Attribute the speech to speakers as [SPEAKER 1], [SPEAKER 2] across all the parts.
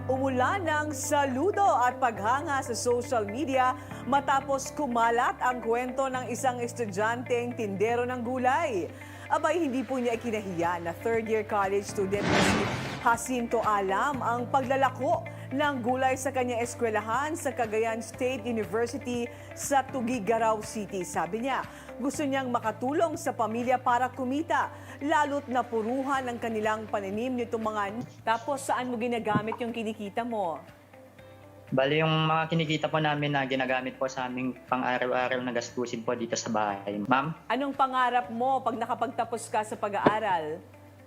[SPEAKER 1] Umulan ng saludo at paghanga sa social media matapos kumalat ang kwento ng isang estudyanteng tindero ng gulay. Abay, hindi po niya ikinahiya na third-year college student na si Jacinto Alam ang paglalako ng gulay sa kanyang eskwelahan sa Cagayan State University sa Tuguegarao City. Sabi niya, gusto niyang makatulong sa pamilya para kumita, lalo't napuruhan ang kanilang pananim nitong mga... Tapos saan mo ginagamit yung kinikita mo?
[SPEAKER 2] Bali, yung mga kinikita po namin na ginagamit po sa aming pang-araw-araw na gastusin po dito sa bahay. Ma'am?
[SPEAKER 1] Anong pangarap mo pag nakapagtapos ka sa pag-aaral?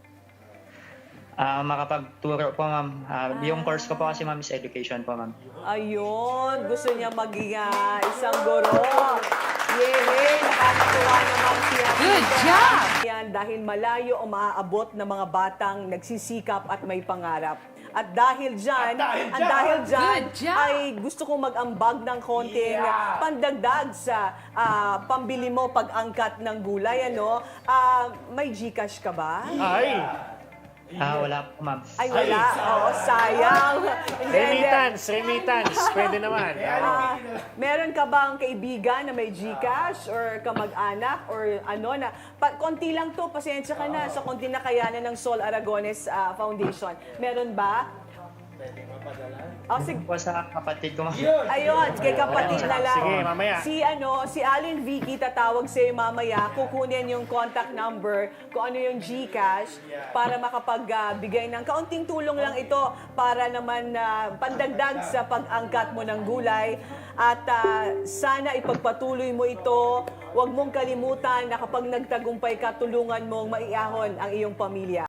[SPEAKER 2] Makapagturo po, ma'am. Yung course ko po kasi, ma'am, is education po, ma'am.
[SPEAKER 1] Ayun, gusto niya maging isang guro. Yay! Nakakatuwa naman siya.
[SPEAKER 3] Good job!
[SPEAKER 1] Yan, dahil malayo o maaabot ng mga batang nagsisikap at may pangarap. At dahil dyan,
[SPEAKER 3] Good job!
[SPEAKER 1] ay gusto kong mag-ambag ng konting pandagdag sa pambili mo pag-angkat ng gulay. Ano? May GCash ka ba?
[SPEAKER 2] Wala po, ma'am.
[SPEAKER 1] Ay, wala. Oo, sayang.
[SPEAKER 4] Remittance. Pwede naman.
[SPEAKER 1] Meron ka bang kaibigan na may GCash or kamag-anak or ano na konti lang to, pasensya ka na sa konti na kayanan ng Sol Aragones Foundation. Meron ba? Oh, sige.
[SPEAKER 2] Po sa kapatid ko, ma'am.
[SPEAKER 1] Ayun, kay kapatid na lang.
[SPEAKER 4] Sige, mamaya.
[SPEAKER 1] Si Allen Vicky tatawag sa'yo mamaya, kukunin yung contact number, kung ano yung GCash, para makapagbigay ng kaunting tulong lang ito para naman pandagdag sa pag-angkat mo ng gulay. At sana ipagpatuloy mo ito. Huwag mong kalimutan na kapag nagtagumpay ka, tulungan mong maiahon ang iyong pamilya.